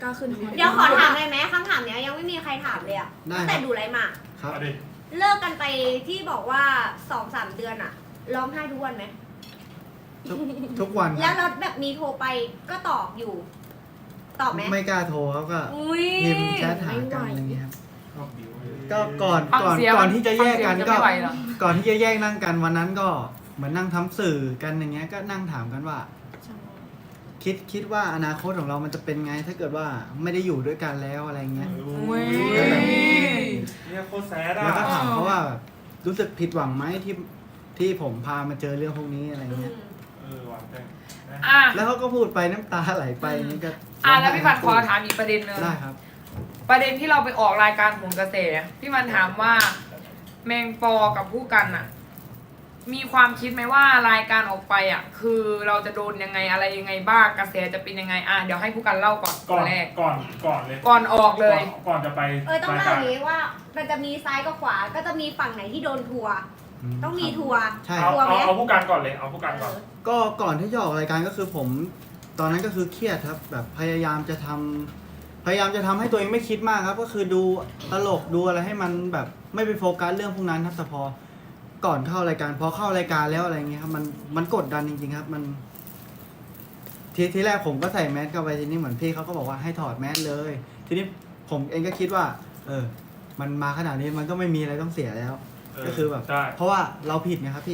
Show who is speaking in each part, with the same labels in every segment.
Speaker 1: ก็ขึ้น
Speaker 2: เดี๋ยวขอถามเลยไหมคำถามเนี้ยยังไม่มีใครถามเลยอะตั้งแต่ดูไรมา
Speaker 3: ครับ
Speaker 2: เลิกกันไปที่บอกว่า 2-3 เดือนอะร้องไห้ทุกวันไหม
Speaker 3: ทุกวัน
Speaker 2: แล้วเราแบบมีโทรไปก็ตอบอยู่ ตอบไหม
Speaker 3: ไม่กล้าโทรเขาก็
Speaker 2: อุ้ย
Speaker 3: พิมพ์แชทหากันอะไรเงี้ยครับก็
Speaker 4: ฟั
Speaker 3: ก่
Speaker 4: ง
Speaker 3: อนที่จะแยกกัน
Speaker 4: ฟังเสียง
Speaker 3: ก็
Speaker 4: ไม่ไหวเหรอ
Speaker 3: ก่อนที่จะแยกนั่งกันวันนั้นก็เหมือนนั่งทำสื่อกันอย่างเงี้ยก็นั่งถามกันว่า คิดว่าอนาคตของเรามันจะเป็นไง ถ้าเกิดว่าไม่ได้อยู่ด้วยกันแล้วอะไรเงี้ย
Speaker 4: อุ้ย
Speaker 5: เนี่ยโคตรแซดอ่ะ
Speaker 3: แล้วก็ถามเขาว่าแบบรู้สึกผิดหวังไหมที่ผมพามาเจอเรื่องพวกนี้อะไรเงี้ย
Speaker 5: หวานจัง
Speaker 4: อ่ะ
Speaker 3: แล้วเขาก็พูดไปน้ำตาไหลไปนี่ก็
Speaker 4: แล้วพี่พันขอถามอีกประเด็นหนึง
Speaker 3: ได้ครับ
Speaker 4: ประเด็นที่เราไปออกรายการโหนกระแสพี่มันถามว่าแมงปอกับผู้กันอะมีความคิดไหมว่ารายการออกไปอะคือเราจะโดนยังไงอะไรยังไงบ้างกระแสจะเป็นยังไงเดี๋ยวให้ผู้กันเล่าก่อน
Speaker 5: ก่อน
Speaker 4: แรก
Speaker 5: ก่อนเลย
Speaker 4: ก่อนออกเลย
Speaker 5: ก่อนจะไป
Speaker 2: ต้องเล่าอย่างนี้ว่ามันจะมีซ้ายกับขวา ก็จะมีฝั่งไหนที่โดนทัวร์ต้องมีทัวร์
Speaker 3: ใช่
Speaker 5: เอา
Speaker 2: ทัวร์ไหม
Speaker 5: เอาผู้การก่อนเลยเอาผู้การก่อน
Speaker 3: ก็ก่อนที่จะออกรายการก็คือผม ตอนนั้นก็คือเครียดครับ แบบพยายามจะทำให้ตัวเองไม่คิดมากครับ ก็คือดูตลกดูอะไรให้มันแบบไม่ไปโฟกัสเรื่องพวกนั้นครับแต่พอก่อนเข้ารายการพอเข้ารายการแล้วอะไรเงี้ยครับมันกดดันจริงๆครับ มันทีแรกผมก็ใส่แมสเข้าไปทีนี้เหมือนพี่เขาก็บอกว่าให้ถอดแมสเลย ทีนี้ผมเองก็คิดว่า มันมาขนาดนี้มันก็ไม่มีอะไรต้องเสียแล้ว ก็คือแบบ
Speaker 5: ใช่
Speaker 3: เพราะว่าเราผิดไงครับพี่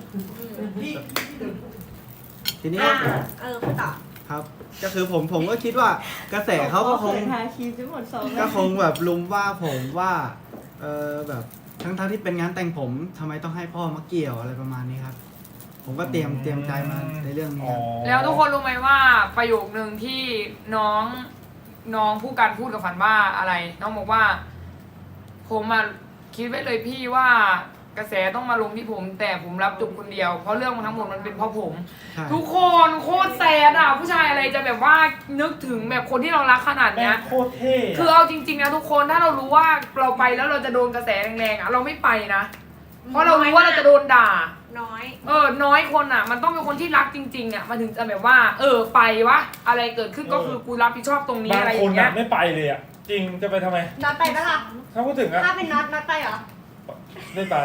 Speaker 3: ทีนี้
Speaker 2: คุณต่อ
Speaker 3: ครับ ก็คือผมก็คิดว่ากระแสเขาก็คง
Speaker 1: ทาครีมจะหมดสอง
Speaker 3: ก็คงแบบลุมว่าผมว่าแบบทั้งที่เป็นงานแต่งผมทำไมต้องให้พ่อมาเกี่ยวอะไรประมาณนี้ครับ ผมก็เตรียมใจมาในเรื่องนี้ครับ
Speaker 4: แล้วทุกคนรู้ไหมว่าประโยคนึงที่น้องผู้กันพูดกับฝันว่าอะไร น้องบอกว่า ผมมาคิดไว้เลยพี่ว่ากระแสต้องมาลงที่ผม แต่ผมรับจบคนเดียวเพราะเรื่องมันทั้งหมดมันเป็นเพราะผม
Speaker 3: ใช่
Speaker 4: ทุกคนโคตรแซดอ่ะผู้ชายอะไรจะแบบว่านึกถึงแบบคนที่เรารักขนาด
Speaker 5: แม่
Speaker 4: เนี้ย
Speaker 5: งโคตรเท่ะ
Speaker 4: คือเอาจริงๆนะทุกคนถ้าเรารู้ว่าเราไปแล้วเราจะโดนกระแสแรงๆอ่ะเราไม่ไปนะเพราะเรารู้ว่าเราจะโดนด่า
Speaker 2: น้อย
Speaker 4: น้อยคนอ่ะ มันต้องเป็นคนที่รักจริงๆอ่ะมันถึงจะแบบว่าไปวะอะไรเกิดขึ้นก็คือกูรับผิดชอบตรงนี้
Speaker 5: บาง
Speaker 4: อะไรอ
Speaker 5: คน
Speaker 4: ย่างเงี้
Speaker 5: น่ะ
Speaker 4: ย
Speaker 5: ไม่ไปเลยอ่ะจริงจะไปทำไม
Speaker 2: น็อตไปปะล่ะ
Speaker 5: ถ้าพูดถึงอ่ะ
Speaker 2: ถ้าเป็นน็อตไปเหรอ
Speaker 5: ไม่ไป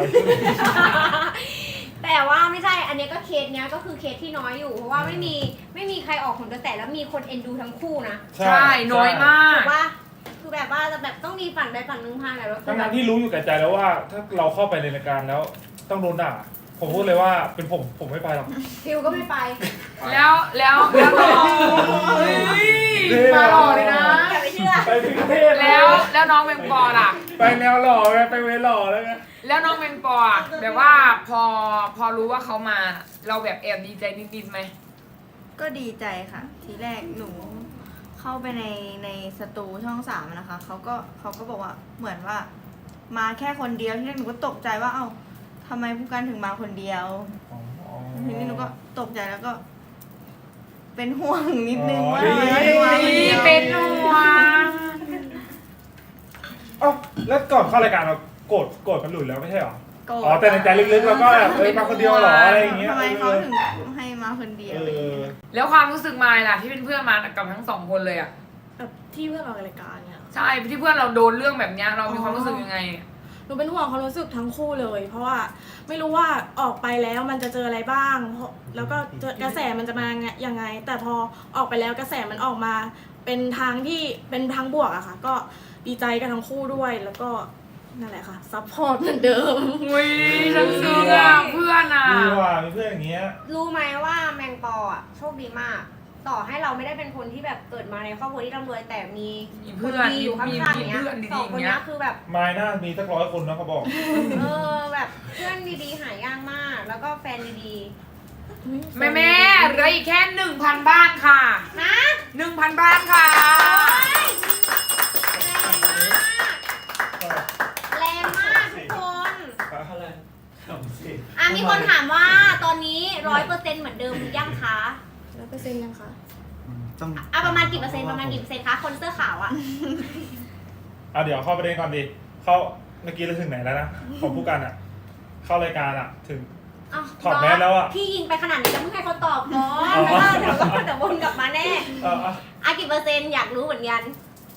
Speaker 2: แต่ว่าไม่ใช่ อันนี้ก็เคสเนี้ยก็คือเคสที่น้อยอยู่ เพราะว่าไม่มีใครออกผลกระแสแล้วมีคนเอ็นดูทั้งคู่นะ
Speaker 4: ใช่น้อยมาก
Speaker 2: ถูกว่าคือแบบว่าจะแบบต้องมีฝั่งใดฝั่งหนึ่งพาไหนแล้วคื
Speaker 5: ทั้
Speaker 2: อง แบบ
Speaker 5: ที่รู้อยู่แก่ใจแล้วว่า ถ้าเราเข้าไปในรายการแล้วต้องโดนด่าผมพูดเลยว่าเป็นผมไม่ไปหรอก
Speaker 2: ฟิวก็ไม่ไป
Speaker 4: แล้วน้องเฮ้ยมาหล่อเลยนะ
Speaker 2: อย่าไปเชื่อ
Speaker 5: ไปถึงประเทศ
Speaker 4: แล้วน้องแมงปอล่ะ
Speaker 5: ไปแนวหล่อไงไปเวหล่อแล้วไง
Speaker 4: แล้วน้องแมงปออะแบบว่าพอรู้ว่าเขามาเราแบบแอบดีใจนิดๆไหม
Speaker 1: ก็ดีใจค่ะ ทีแรกหนูเข้าไปในสตูช่อง3นะคะเขาก็บอกว่าเหมือนว่า มาแค่คนเดียวที่แรกหนูก็ตกใจว่าเอ้าทำไมผู้กันถึงมาคนเดียวทีนี้หนูก็ตกใจแล้วก็ เป็นห่วงนิดนึงว่าทำไมถึงมาคนเดียว
Speaker 4: เป็นห่วง
Speaker 5: เอ้าแล้วก่อนเข้ารายการเราโกรธมันหลุดแล้วไม่ใช่หรอ
Speaker 1: โกรธ
Speaker 5: อ๋อแต่ในใจลึกๆเราก็แบบมาคนเดียวเหรออะไรอย่างเงี้ย
Speaker 1: ทำไมเขาถึงให้มาคนเดียวอะไรอย่างเงี้ย
Speaker 4: แล้วความรู้สึกมายล่ะที่เป็นเพื่อนมากับทั้งสองคนเลยอ่ะ
Speaker 6: แบบที่เพื่อนเรารายการเนี่ย
Speaker 4: ใช่ที่เพื่อนเราโดนเรื่องแบบเนี้ยเรามีความรู้สึกยังไง
Speaker 6: หนูเป็นห่วงความรู้สึกทั้งคู่เลย เพราะว่าไม่รู้ว่าออกไปแล้วมันจะเจออะไรบ้างแล้วก็กระแสมันจะมายังไง แต่พอออกไปแล้วกระแสมันออกมาเป็นทางที่เป็นทางบวกอะค่ะ ก็ดีใจกันทั้งคู่ด้วยแล้วก็นั่นแหละค่ะซัพพอร์ตเหมือนเดิม
Speaker 4: อุ้ยฉันซึ้งอ่ะเพื่อนอ่ะ
Speaker 5: มีว่ามีเพื่อนอย่างเงี้ย
Speaker 2: รู้ไหมว่าแมงปออ่ะโชคดีมาก ต่อให้เราไม่ได้เป็นคนที่แบบเกิดมาในครอบครัวที่ร่ำรวยแต่มี
Speaker 4: เพื่อน
Speaker 2: ดีอยู่ข้างๆอย่างเงี้ย
Speaker 4: เพื่อนดีๆ
Speaker 2: สองคน
Speaker 4: อย่างเงี้
Speaker 2: เนี้
Speaker 4: ย
Speaker 2: ยคือแบบ
Speaker 5: ไม้หน้ามีสัก100 คนนะเขาบอก
Speaker 2: แบบเพื่อนดีๆหายากมาก แล้วก็แฟนดี
Speaker 4: แม่เหลืออีกแค่ 1,000 บ้านค่ะ
Speaker 2: ๆนะ
Speaker 4: 1,000 บ้านค่ะ
Speaker 2: แรงมากทุกคนมีคนถามว่าตอนนี้100%เหมือนเดิมหรือยังคะ
Speaker 6: 100%ยังคะ
Speaker 3: ต้อง
Speaker 2: ประมาณกี่เปอร์เซ็นต์คะคนเสื้อขาวอ่ะ
Speaker 5: เอาเดี๋ยวเข้าประเด็นก่อนดิเข้าเมื่อกี้เราถึงไหนแล้วนะของผู้กันอ่ะ เข้ารายการอ่ะถึง
Speaker 2: อ้าว
Speaker 5: ถอดแมสแล้วอะ
Speaker 2: พี่ยิงไปขนาดนี้แล้วเพิ่งให้เขาตอบก่อน
Speaker 5: อ๋อ
Speaker 2: เดี๋ยววนกลับมาแน่ กี่เปอร์เซ็นต์อยากรู้เหมือนกัน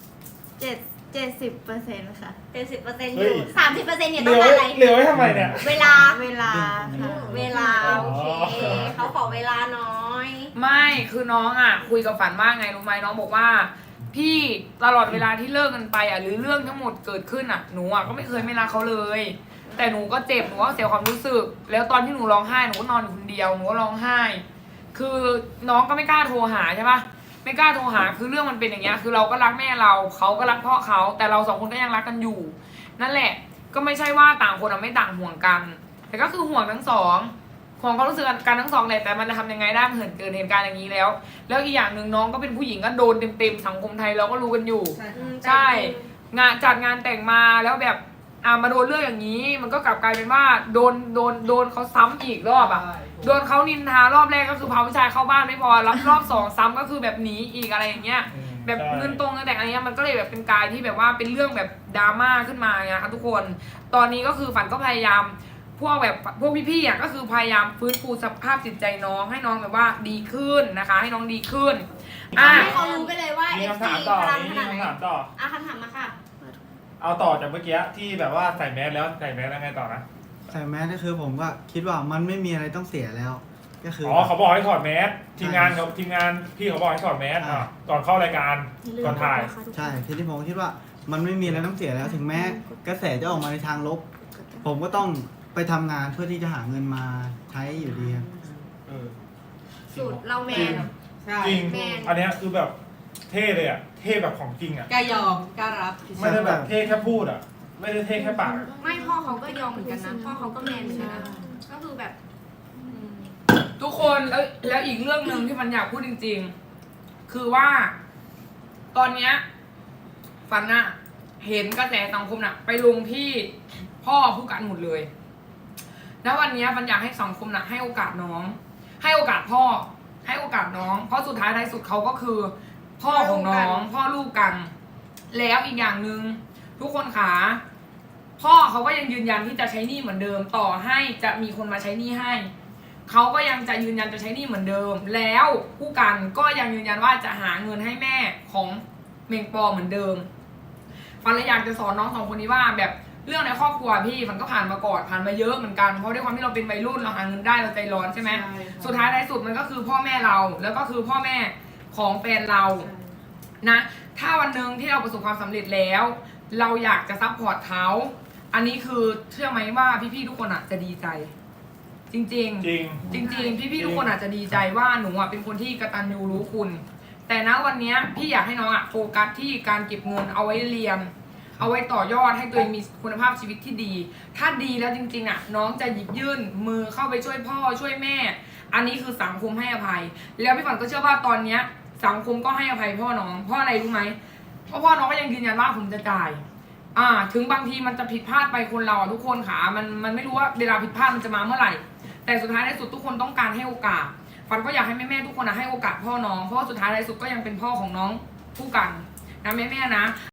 Speaker 1: 70%ค่ะ
Speaker 2: เป็น10%อ
Speaker 5: เฮ้
Speaker 2: ยู่
Speaker 5: ย
Speaker 2: 30%เนี่ย
Speaker 5: เห
Speaker 2: ต้
Speaker 5: ลื
Speaker 2: อง
Speaker 5: อ
Speaker 2: การ
Speaker 5: ไว้
Speaker 2: อะไร
Speaker 5: เหลือไว้ทำไมเนี่ย
Speaker 2: เวลา
Speaker 1: เวลาค่ะ
Speaker 2: เวลาโอเคเขาขอเวลาน้อย
Speaker 4: ไม่คือน้องอ่ะคุยกับฝันว่าไงรู้ไหมน้องบอกว่า พี่ตลอดเวลาที่เลิกกันไปอ่ะหรือเรื่องทั้งหมดเกิดขึ้นอ่ะหนูอ่ะก็ไม่เคยไม่รักเขาเลย แต่หนูก็เจ็บหนูก็เสียความรู้สึก แล้วตอนที่หนูร้องไห้หนูก็นอนอยู่คนเดียวหนูก็ร้องไห้ คือน้องก็ไม่กล้าโทรหาใช่ปะไม่กล้าโทรหาคือเรื่องมันเป็นอย่างเงี้ยคือเราก็รักแม่เราเขาก็รักพ่อเขาแต่เราสองคนก็ยังรักกันอยู่ นั่นแหละก็ไม่ใช่ว่าต่างคนไม่ต่างห่วงกัน แต่ก็คือห่วงทั้งสองห่วงความรู้สึกกันทั้งสองแหละแต่มันจะทำยังไงได้เหินเกิดเหตุการณ์อย่างนี้แล้ว แล้วอีกอย่างหนึ่งน้องก็เป็นผู้หญิงก็โดนเต็มๆสังคมไทยเราก็รู้กันอยู่ ใช่ งานจัดงานแต่งมาแล้วแบบมาโดนเรื่องอย่างนี้ มันก็กลับกลายเป็นว่าโดนเขาซ้ำอีกรอบอ่ะโดนเขานินทารอบแรกก็คือพาผู้ชายเข้าบ้านไม่พอรับรอบสองซ้ำก็คือแบบหนีอีกอะไรอย่างเงี้ย แบบเงินตรงเงินแต่งอะไรเงี้ยมันก็เลยแบบเป็นกายที่แบบว่าเป็นเรื่องแบบดราม่าขึ้นมาไงคะทุกคน ตอนนี้ก็คือฝันก็พยายามพวกพี่ๆอ่ะก็คือพยายามฟื้นฟูสภาพจิตใจน้องให้น้องแบบว่าดีขึ้นนะคะ ให้น้องดีขึ้น
Speaker 2: ให้เขารู้ไปเลยว่า
Speaker 5: มี
Speaker 2: FC
Speaker 5: คำถามต่อ
Speaker 2: พลัง
Speaker 5: มี
Speaker 2: ขนาดไหน
Speaker 5: คำถามต่อ
Speaker 2: คำถามมาค่ะ
Speaker 5: เอาต่อจากเมื่อกี้ที่แบบว่าใส่แมสแล้วใส่แมสแล้วไงต่อนะ
Speaker 3: ใส่แมสก็คือผมก็คิดว่ามันไม่มีอะไรต้องเสียแล้ว ก็คือ
Speaker 5: อ๋อเขาบอกให้ถอดแมสทีมงานพี่เขาบอกให้ถอดแมสก่อนเข้ารายการก่อนถ่าย
Speaker 3: ใช่ทีนี้ผมคิดว่ามันไม่มีอะไรต้องเสียแล้วถึงแม้กระแสจะออกมาในทางลบ ผมก็ต้องไปทำงานเพื่อที่จะหาเงินมาใช้อยู่ดีครับ
Speaker 5: เออ
Speaker 2: สูตรเราแมน
Speaker 5: จริง
Speaker 2: แมน
Speaker 5: อันเนี้ยคือแบบเท่เลยอ่ะเท่แบบของจริงอ่ะ
Speaker 7: กล้ายอมกล้ารับ
Speaker 5: ไม่ได้แบบเท่แค่พูดอ่ะไม่ได้เท่แค่ปากอะ
Speaker 2: ไม่พ่อเขาก็ยอมเหมือนกันนะพ่อเขาก็แมนเหมือนกันนะก็คือแบบ
Speaker 4: ทุกคนแล้วอีกเรื่องหนึ่งที่มันอยากพูดจริงๆ คือว่า ตอนเนี้ยฝันอะเห็นกระแสสังคมน่ะ ไปลงที่พ่อผู้กันหมดเลยแล้ววันเนี้ยมันอยากให้สังคมน่ะ ให้โอกาสน้อง ให้โอกาสพ่อ ให้โอกาสน้อง เพราะสุดท้ายท้ายสุดเขาก็คือ พ่อของน้อง พ่อลูกกัน แล้วอีกอย่างหนึ่งทุกคนขาพ่อเขาก็ยังยืนยันที่จะใช้หนี้เหมือนเดิม ต่อให้จะมีคนมาใช้หนี้ให้ เขาก็ยังจะยืนยันจะใช้หนี้เหมือนเดิม แล้วผู้กันก็ยังยืนยันว่าจะหาเงินให้แม่ของเมงปอเหมือนเดิมฟันเลยอยากจะสอนน้องสองคนนี้ว่าแบบเรื่องในครอบครัวพี่มันก็ผ่านมาก่อนผ่านมาเยอะเหมือนกันเพราะด้วยความที่เราเป็นวัยรุ่นเราหาเงินได้เราใจร้อนใช่ไหมสุดท้ายในสุดมันก็คือพ่อแม่เราแล้วก็คือพ่อแม่ของแฟนเรานะถ้าวันหนึ่งที่เราประสบความสำเร็จแล้ว เราอยากจะซัพพอร์ตเขาอันนี้คือเชื่อไหมว่าพี่ๆทุกคนอ่ะจะดีใจ จริง
Speaker 5: จริง
Speaker 4: จริงพี่ๆทุกคนอาจจะดีใจว่าหนูอ่ะเป็นคนที่กตัญญูรู้คุณ แต่ณวันเนี้ยพี่อยากให้น้องอ่ะโฟกัสที่การเก็บเงินเอาไว้เรียน เอาไว้ต่อยอดให้ตัวเองมีคุณภาพชีวิตที่ดี ถ้าดีแล้วจริงๆอ่ะน้องจะหยิบยื่นมือเข้าไปช่วยพ่อช่วยแม่ อันนี้คือสังคมให้อภัย แล้วพี่ฝันก็เชื่อว่าตอนเนี้ยสังคมก็ให้อภัยพ่อน้องเพราะอะไรรู้ไหมเพราะพ่อน้องก็ยังยืนยันว่าผมจะจ่ายถึงบางทีมันจะผิดพลาดไปคนเราทุกคนค่ะมันไม่รู้ว่าเวลาผิดพลาดมันจะมาเมื่อไหร่แต่สุดท้ายในสุดทุกคนต้องการให้โอกาสฝันก็อยากให้แม่ๆทุกคนให้โอกาสพ่อน้องเพราะว่าสุดท้ายในสุดก็ยังเป็นพ่อของน้องผู้กันนะแม่ๆนะ